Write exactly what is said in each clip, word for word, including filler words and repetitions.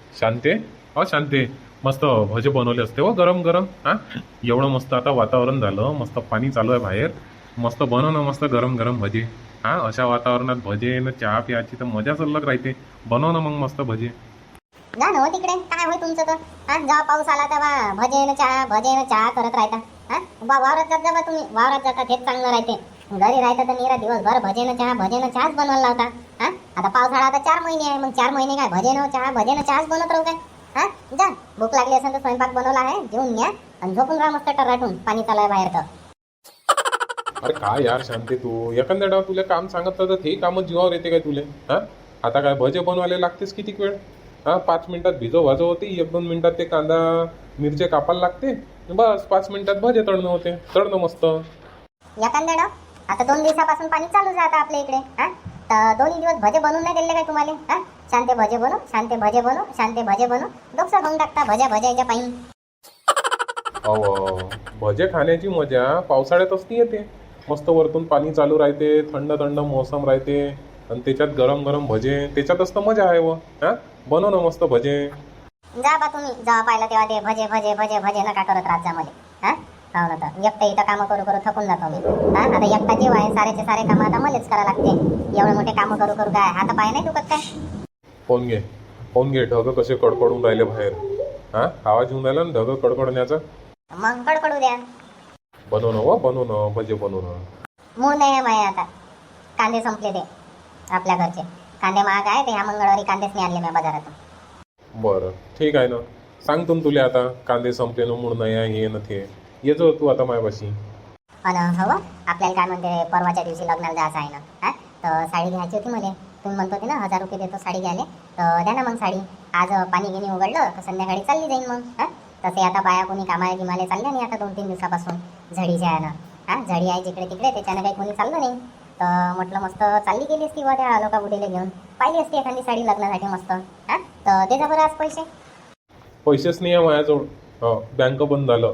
शांते, अ शांते, मस्त भजे बनवले असते हो गरम गरम. हा, एवढं मस्त आता वातावरण झालं, मस्त पाणी चालू आहे बाहेर. मस्त बनव ना मस्त गरम गरम भजे. हा, अशा वातावरणात भजे न चहा प्यायची तर मजाच अलग राहते. बनव ना मग मस्त भजे. जा ना हो तिकडे, काय होय तुमचं तर. हा, जेव्हा पाऊस आला तेव्हा भजे न चहा भजे न चहा करत राहता. हा, बा वावरात जात जा बा तुम्ही, वावरात जाता तेच चांगलं राहते. घरी राहता तर निरा दिवसभर भजे न चहा भजे न चहाच बनवायला लावता. हा, आता पावसाळा आता चार महिने आहे, मग चार महिने काय भजे न चहा भजे न चहाच बनवत राहू काय. हा, जा, भूक लागली असेल तर स्वयंपाक बनवला आहे, जेवून घ्या आणि झोपून राहा मस्त टराटून, पाणी चालू आहे बाहेर तर. अरे काय यार शांते, तू एखाद्या डाव तुला काम सांगितलं तर ते कामच जीवावर येते काय तुले? हा, आता काय भजे बनवायला लागतेस किती वेळ? हा, पाच मिनिटात भिजव भाजव होते, एक दोन मिनिटात ते कांदा मिरचे कापायला लागते, बस पाच मिनिटात भजे तळणं होते, तळणं मस्त. एखाद्या डाव, आता दोन दिवसापासून पाणी चालू आहे आता आपल्या इकडे. हा, तर दोन्ही दिवस भजे बनवून नाही दिले काय तुम्हाला? हा, शांते भजे बनव, शांते भजे बनव, शांते भजे बनव, डोकसा खाऊन टाकता भज्या भज्याच्या पायी. अहो, भजे खाण्याची मजा पावसाळ्यातच ती येते. मस्त वरतून पाणी चालू राहते, थंड थंड मोसम राहते आणि त्याच्यात गरम गरम भजे, त्याच्यातच तर मजा आहे व. हा, बनव ना मस्त भजे. जा बा तुम्ही, जेव्हा पाहिलं तेव्हा ते भजे भजे भजे भजे नका करत राहत जा मध्ये. हा, हो ना, तर एकटं इथं कामं करू करू थकून जातो मी. हा, आता एकटा जीव आहे, सारेचे सारे कामं आता मलाच करा लागते. एवढे मोठे कामं करू करू काय हात पाय नाही दुखत काय? पाहून घे, पाहून घे ढग कसे कडकडून राहिले बाहेर. हा, आवाज येऊन राहिला ना ढग कडकडण्याचा. मग कडकडू द्या. बनव ना व, बनव ना भजे, बनव ना. मूळ नाही आहे माय आता. कांदे संपले ते आपल्या घरचे. कांदे महाग आहे, ते ह्या मंगळवारी कांदेच नाही आणले मी बाजारातून. बरं ठीक आहे ना, सांगतो ना तुला आता. कांदे संपले ना, मूड नाही आहे, हे न ते. येतो तू आता मायापाशी. अन हवं आपल्याला काय म्हणते, परवाच्या दिवशी लग्नाला जायचं आहे ना. हा, तर साडी घ्यायची होती मला. तुम्ही म्हणत होते ना हजार रुपये देतो साडी घ्यायला, तर द्या ना मग साडी. आज पाणी गिनी उघडलं तर संध्याकाळी चालली जाईन मग. हा, तसे आता बाया कोणी कामाला गिमाले चालल्या नाही आता दोन तीन दिवसापासून, झडीच्या आहे ना. हा, झडी आहे जिकडे तिकडे, त्याच्यानं काही कोणी चाललं नाही. तर म्हटलं मस्त चालली गेली असती व त्या लोका बुडीला घेऊन, पाहिली असती एखादी साडी लग्नासाठी मस्त. हा, तर दे जा बरं आज पैसे. पैसेच नाही आहे माझ्याजवळ. हो, बँक बंद झालं.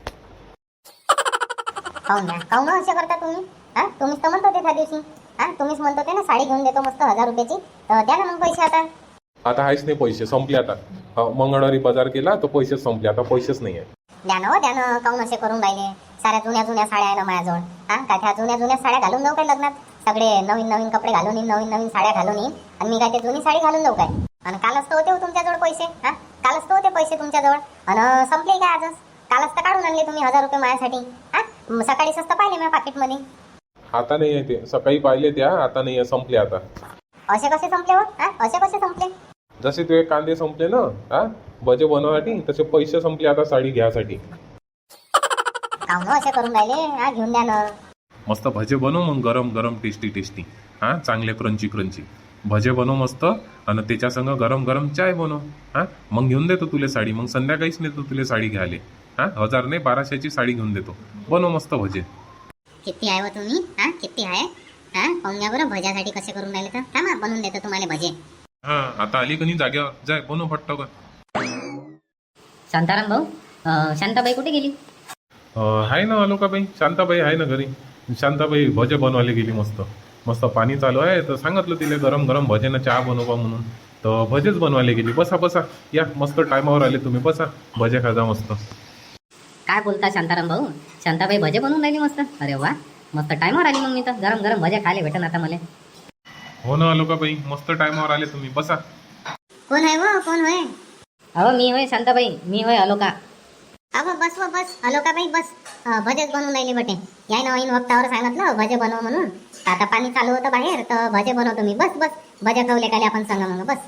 काऊन द्या, काऊन असे करता तुम्ही? हा, तुम्हीच तर म्हणत होते त्या दिवशी. हा, तुम्हीच म्हणत होते ना साडी घेऊन देतो मस्त हजार रुपयाची, तर द्या ना मग पैसे आता. आता आहेच नाही पैसे, संपले आता. हो, मंगळवारी बाजार केला तर पैसेच संपले, आता पैसेच नाही आहे. द्या ना हो, द्या ना, काऊन असे करून राहिले? साऱ्या जुन्या जुन्या साड्या आहे ना माझ्याजवळ. हा, काय त्या जुन्या जुन्या साड्या घालून जाऊ काय लग्नात? सगळे नवीन नवीन कपडे घालून येईन, नवीन नवीन साड्या घालून येईन, आणि मी काय ते जुनी साडी घालून जाऊ काय? आणि कालच तर होते हो तुमच्याजवळ पैसे. हा, कालच तर होते पैसे तुमच्याजवळ, आणि संपले काय आजच? कालच तर काढून आणले तुम्ही हजार रुपये माझ्यासाठी. हा, म सकाळी स्वस्त पाहिले माझ्या पाकिटमध्ये. आता नाही आहे ते, सकाळी पाहिले त्या, आता नाही आहे, संपले आता. असे कसे संपले हो? हा, असे कसे संपले? जसे तुझे कांदे संपले ना, हा, भजे बनवासाठी, तसे पैसे संपले आता साडी घ्यासाठी. काऊन असे करून राहिले? हा, घेऊन द्या ना. मस्त भजे बनव मग गरम गरम, टेस्टी टेस्टी. हा, चांगले क्रंची क्रंची भजे बनव मस्त, आणि त्याच्या संग गरम गरम चाय बनव. हा, मग घेऊन देतो तुला साडी, मग संध्याकाळीच नेतो तुला साडी घ्यायला. हा, हजार नाही बाराशेची साडी घेऊन देतो. बनव मस्त भजे. किती आहे हो तुम्ही? हा, किती आहे? हा, पाहून घ्या बरं भज्यासाठी कसे करून राहिले तर. थांबा, बनवून देतो तुम्हाला भजे. हा, आता आली का नाही जाग्यावर, जाय बनव फट्ट का. शांताराम भाऊ, अं, शांताबाई कुठे गेली? आहे ना अलोकाबाई, शांताबाई आहे ना घरी. शांताबाई भजे बनवायला गेली. मस्त मस्त पाणी चालू आहे, तर सांगितलं तिला गरम गरम भजेनं चहा बनवा म्हणून, तर भजेच बनवायला गेली. बसा बसा, या मस्त टायमावर आले तुम्ही, बसा भजे खाजा मस्त. काय बोलता शांताराम भाऊ? शांताबाई भजे बनवून राहिली मस्त. अरे वा, मस्त टायमावर आली मग मी तर. गरम गरम भजे खायला भेटन आता मला. हो ना अलोकाबाई, मस्त टायमावर आले तुम्ही, बसा. कोण आहे व? कोण होय? अहो मी होय शांताबाई, मी होय अलोका. अहो बस व बस, अलोकाबाई बस. अं, भजेच बनवून राहिले बटे. याय ना ऐन वक्तावर सांगितलं भजे बनव म्हणून. आता पाणी चालू होतं बाहेर, तर भजे बनवतो मी. बस बस, भजे खावले काले आपण सांगा मग, बस.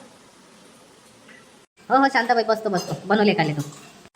हो हो शांताबाई, बसतो बसतो, बनवले काले तू.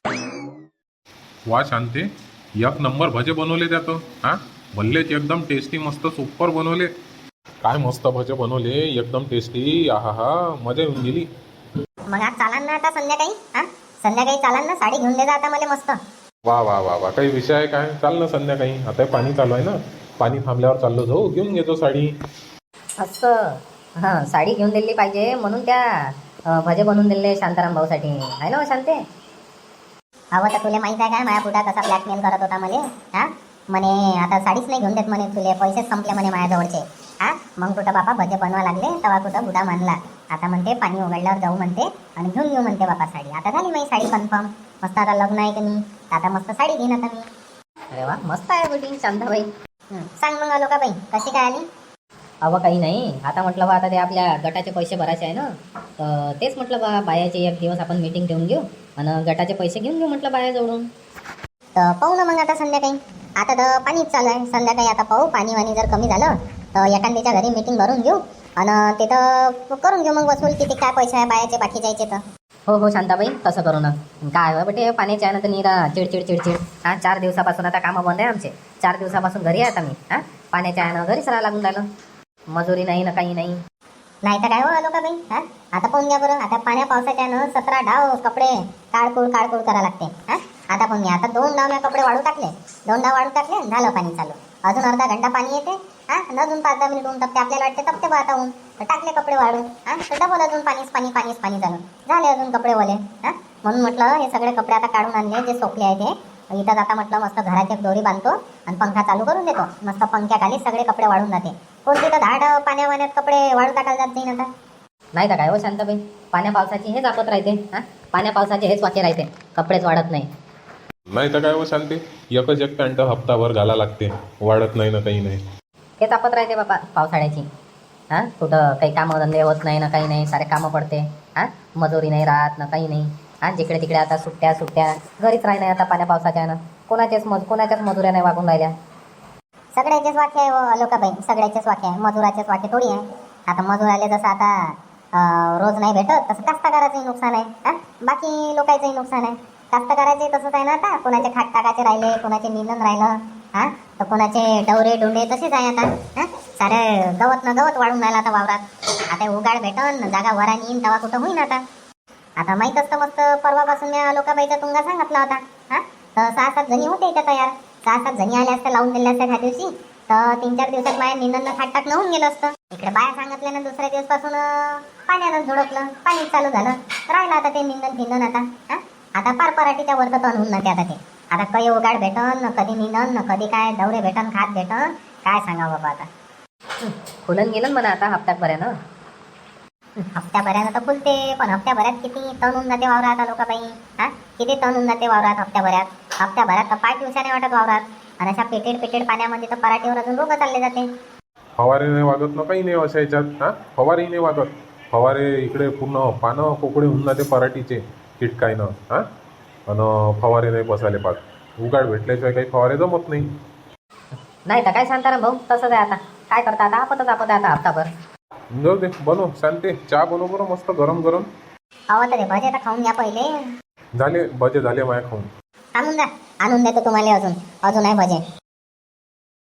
वा शांते, एक नंबर भजे बनवले त्यात. हा, भल्लेच एकदम टेस्टी, मस्त सुपर बनवले. काय मस्त भजे बनवले, एकदम टेस्टी. आहा हा, मजा येऊन गेली. मग आज चालान ना आता संध्याकाळी? हा, संध्याकाळी चालान ना, साडी घेऊन दे जा आता मला मस्त. वा वा वा वा, काही विषय आहे काय? चाल ना संध्याकाळी, आता पाणी चालू आहे ना, पाणी थांबल्यावर चाललो जाऊ, घेऊन घेतो साडी. असं, हां, साडी घेऊन दिली पाहिजे म्हणून त्या अं, भजे बनवून दिले शांताराम भाऊसाठी, आहे ना हो शांते? हवं तर तुला माहित आहे काय माझ्या पुढा कसा ब्लॅकमेल करत होता मला? हा, म्हणे आता साडीच नाही घेऊन देत म्हणे, तुले पैसेच संपले म्हणे माझ्याजवळचे. हा, मग कुठं बापा भजे बनवा लागले तेव्हा कुठं बुडा मानला. आता म्हणते पाणी उघडल्यावर जाऊ म्हणते आणि घेऊन घेऊ म्हणते बाबा साडी. आता झाली माझी साडी कन्फर्म. मस्त आता लग्न आहे की नाही, आता मस्त साडी घेईन आता मी. अरे वा, मस्त आहे बेटी शांताबाई. हं, सांग मग अलोका बाई कशी काय आली? अव काही नाही, आता म्हटलं बा आता ते आपल्या गटाचे पैसे भरायचे आहे ना, तर तेच म्हटलं बा बायाचे एक दिवस आपण मीटिंग ठेवून घेऊ आणि गटाचे पैसे घेऊन घेऊ म्हटलं बायाजवळून. तर पाहू ना मग आता संध्याकाळी. आता तर पाणीच चालू आहे. संध्याकाळी आता पाहू, पाणी वाणी जर कमी झालं तर एखाद्याच्या घरी मीटिंग भरून घेऊ आणि तिथं करून घेऊ मग वसूल किती काय पैसे आहे बायाचे बाकी जायचे तर. हो हो शांताबाई, तसं करू ना. काय हो बेटे, पाण्याचे आहे ना तर निरा चिडचिड चिडचिड. हां, चार दिवसापासून आता कामं बंद आहे आमचे. चार दिवसापासून घरी आहे आता मी. हां, पाण्याच्या आहे ना घरीच राहा लागून राहिलं. मजुरी नाही ना काही नाही. नाही तर काय हो अलोका बाई. हा आता पाहून घ्या बरं. आता पाण्या पावसाच्या न सतरा डाव कपडे काळकूळ काळकूळ करा लागते. हा आता पाहून घ्या. आता दोन डाव मी कपडे वाळू टाकले, दोन डाव वाळू टाकले, झालं पाणी चालू. अजून अर्धा घंटा पाणी येते. हा अजून पाच दहा मिनिट ऊन टपते. आपल्याला वाटते टपते बा आता ऊन, तर टाकले कपडे वाळू. हा तर डबल अजून पाणीच पाणी पाणीच पाणी झालं. झाले अजून कपडे ओले. हा म्हणून म्हटलं हे सगळे कपडे आता काढून आणले जे सोकले आहे ते. इथं आता म्हटलं मस्त घराची एक दोरी बांधतो आणि पंखा चालू करून देतो. मस्त पंख्याखाली सगळे कपडे वाळून जाते. कोणती तर धाड पाण्या पाण्यात कपडे वाळू टाकायला जात नाही आता. नाही तर काय हो शांताबाई, पाण्या पावसाची हेच आपत राहते. हां, पाण्या पावसाचे हेच वाके राहते, कपडेच वाढत नाही. नाही तर काय हो शांती, एकच एक पॅन्ट हप्ताभर घाला लागते, वाढत नाही ना काही नाही. हेच आपत राहते बाबा पावसाळ्याची. हां, कुठं काही कामं धंदे होत नाही ना काही नाही, सारे कामं पडते. हां, मजुरी नाही राहत ना काही नाही. हां, जिकडे तिकडे आता सुट्ट्या सुट्ट्या घरीच राही नाही आता पाण्या पावसाच्या ना. कोणाचेच मज कोणाच्याच मजुऱ्या नाही वागून राहिल्या. सगळ्याचेच वाक्य आहे अलोकाबाई, सगळ्याचेच वाक्य आहे. मजुराचेच वाक्य थोडी आहे. आता मजुराले जसं आता अं, रोज नाही भेटत तसं कास्तकाराचंही नुकसान आहे. हा बाकी लोकांचंही नुकसान आहे. कास्तकाराचे तसंच आहे ना. आता कोणाचे खाट टाकाचे राहिले, कोणाचे निंदन राहिलं. हा तर कोणाचे डवरे डोंडे तसेच आहे आता. हा सारे गवत न गवत वाढून राहिलं आता वावरात. आता उगाड भेटन जागा वरा येईन तेव्हा कुठं होईन आता. आता माहीत असतं मस्त परवापासून मी लोकाबाईचा तुंगा सांगितला होता. हा तर सहा सात जणी होते इथं तयार. सहा सात जणी आल्या असत्या लावून दिल्या असत्या ह्या दिवशी, तर तीन चार दिवसात माझ्या निंदन खाट टाकणं होऊन गेलं असतं. इकडे बाया सांगितल्या ना दुसऱ्या दिवसपासून पाण्यानं झोडपलं, पाणी चालू झालं. राहिलं आता ते निंदन फिंदन आता. हा आता पार पराठीच्या वर्ग तण होऊन जाते आता ते. आता काही उगाड भेटन न कधी निंदन न कधी काय दवरे भेटन खात भेटन, काय सांगावं बाबा आता. खुलन गेलं म्हणा आता हप्त्याभरानं. हप्त्याभरानं तर फुलते, पण हप्त्याभरात किती तण होऊन जाते वावरात लोकाबाई. हा किती तण होऊन जाते वावरात हप्त्याभरात. हप्त्याभरात तर पाच दिवसाने वाटत वावरात. आणि अशा पेटेड पेटेड पाण्यामध्ये तर पराठीवर अजून रोग चालले जाते. फवारे नाही वागत ना काही नाही अशा याच्यात. हां फवारेही नाही वागत. फवारे इकडे पूर्ण पानं कोकडे होऊन जाते पराठीचे किटकायनं. हां आणि फवारे नाही बसायला पाहत. उगाड भेटल्याशिवाय काही फवारे जमत नाही. नाही तर काय शांताराम भाऊ, तसंच आहे आता. काय करता आता, आपतच आपत आहे आता हप्ताभर. जाऊ दे, बनव शांती, चहा बनव बरं मस्त गरम गरम. हवं तर भजे तर खाऊन घ्या पहिले. झाले भजे झाले माया खाऊन. आणून द्या, आणून देतो तुम्हाला अजून अजून आहे भजे.